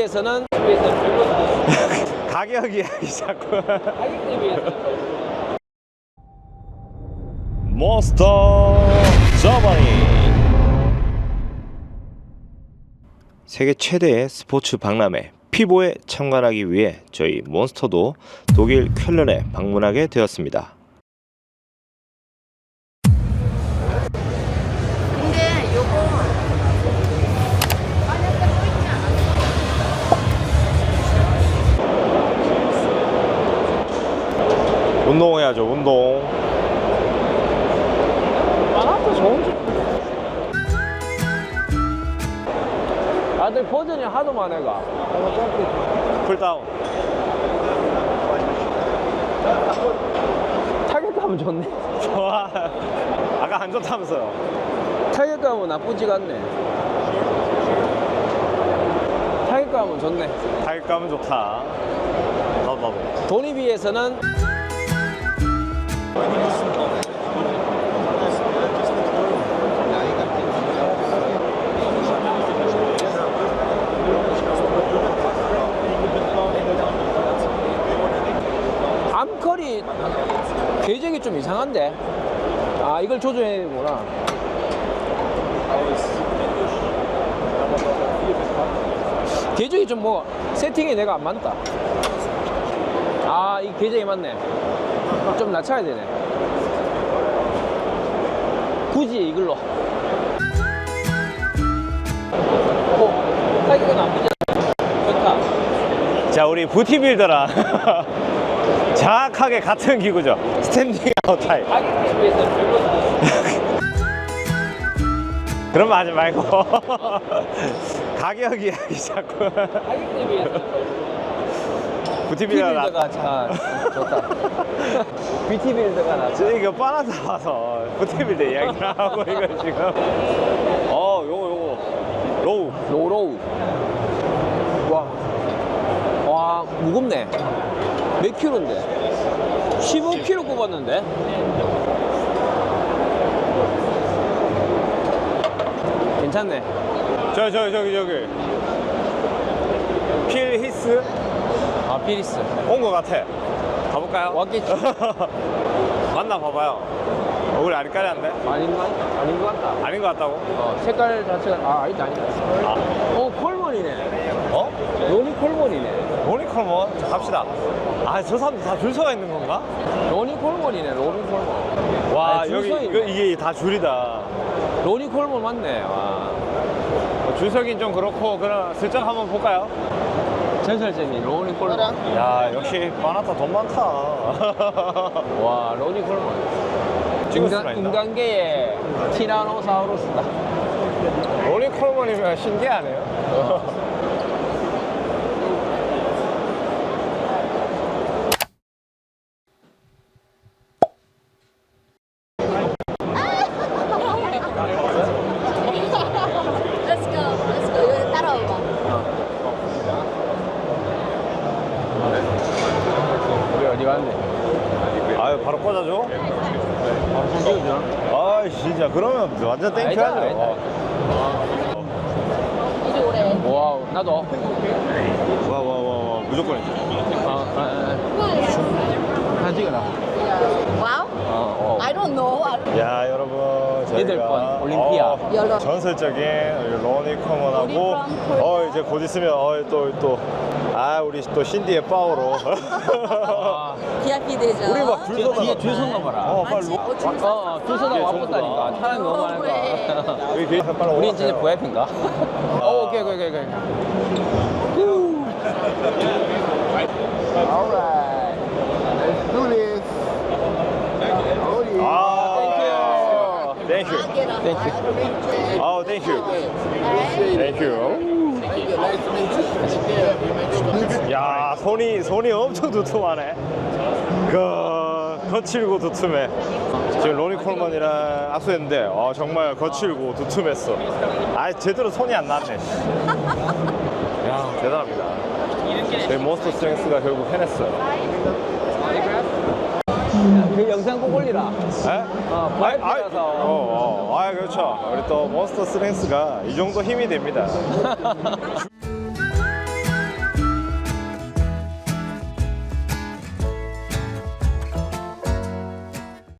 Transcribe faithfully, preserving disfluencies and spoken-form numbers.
비해서는 가격이 자꾸 가격에 비해서 몬스터 저머니. 세계 최대의 스포츠 박람회 피보에 참관하기 위해 저희 몬스터도 독일 쾰른에 방문하게 되었습니다. 근데 요거 운동해야죠, 운동. 만화도 좋은 다들 버전이 하도 많아가 쿨다운. 타격감은 좋네. 좋아. 아까 안 좋다면서요. 타격감은 나쁘지가 않네. 타격감은 좋네. 타격감은 좋다. 나도 나도. 돈에 비해서는 암컬이 궤적이 좀 이상한데. 아, 이걸 조정해야 되구나. 궤적이 좀 뭐 세팅이 내가 안 맞다. 아, 이 궤적이 맞네. 좀 낮춰야 되네. 굳이 이걸로. 오, 타격이 나쁘지 않아. 좋다. 자, 우리 부티빌더랑 정확하게 같은 기구죠. 스탠딩 아웃 타입. 가격에 비해서 별로. 그런 말 하지 말고. 가격이 자꾸. 가격에 비해서 부티빌더랑. 비티빌더가 참 좋다. 비티빌더가 낫다. 저 이거 빠나다 와서 부티빌더 이야기를 하고 이거 지금. 어, 요거 요거. 로우. 로로우. 와, 와 무겁네. 몇 킬로인데? 십오 킬로 꼽았는데? 괜찮네. 저, 저, 저기, 저기. 필 히스 아, 피리스. 온 것 같아. 가볼까요? 왔겠지. 만나 봐봐요. 얼굴이 아리까리한데? 아닌 것, 같- 아닌 것 같다. 아닌 것 같다고? 어, 색깔 자체가, 아, 아니다, 아니다. 아. 어, 콜몬이네. 어? 로니 콜몬이네. 로니컬몬? 자, 갑시다. 아, 저 사람들 다 줄 서가 있는 건가? 로니 콜몬이네, 로니 콜몬. 와, 아니, 줄 여기 서 이거, 있네. 이게 다 줄이다. 로니 콜몬 맞네. 와. 어, 줄 서긴 좀 그렇고, 그럼 슬쩍 한번 볼까요? 전설쟁이 로니 콜몬. 야, 역시 바나타 돈 많다. 와, 로니 콜몬. 찍을 수가 인간, 있나? 인간계의 티라노사우루스다. 로니컬몬이면 신기하네요. Let's go. Let's go. 이거 따라와봐. 우리 어디 갔네? 아유, 바로 꽂아줘? 바로 사진 찍어줘. 아, 진짜. 그러면 완전 아니다, 땡큐하죠. 아니다. 이리 오래. 와우, 나도. 와, 와, 와, 와. 무조건. 어, 아, 아, 사진 찍어라. 와우? 어, 어. I don't know. I don't... 야, 여러분. 저희가 여덟 번 올림피아. 어, 여덟. 전설적인 로니컬몬하고, 우리 from 어, 이제 곧 있으면, 어, 또, 또. 아, 우리 또 신디의 파워로. 아, 비아이피 되죠. 우리 막 줄 뒤에, 서다가. 뒤에 줄 섰나 봐라. 어, 어, 빨리. 로- 어, 줄 서. 줄 서다 뒤에 와봤다니까. 전부 사람이 너무 많으니까. 여기 계속 빨리 우린 올라가세요. 진짜 브이아이피인가? 어, 오케이, 오케이, 오케이, 오케이. Alright, let's do this. Oh yeah. 아, 땡큐. 땡큐. 아, 땡큐. 땡큐. Nice to meet you. Take care. We make sure. 야, 손이 손이 엄청 두툼하네. 그 거칠고 두툼해. 지금 로니컬몬이랑 악수했는데 어, 정말 거칠고 두툼했어. 아, 제대로 손이 안 났네. 야, 대단합니다. 저희 몬스터 스트렝스가 결국 해냈어요. 그 영상 꼭 올리라. 에? 어, 아이, 아이, 브이아이피라서. 어, 어, 아, 그렇죠. 우리 또 몬스터 스트렝스가 이 정도 힘이 됩니다.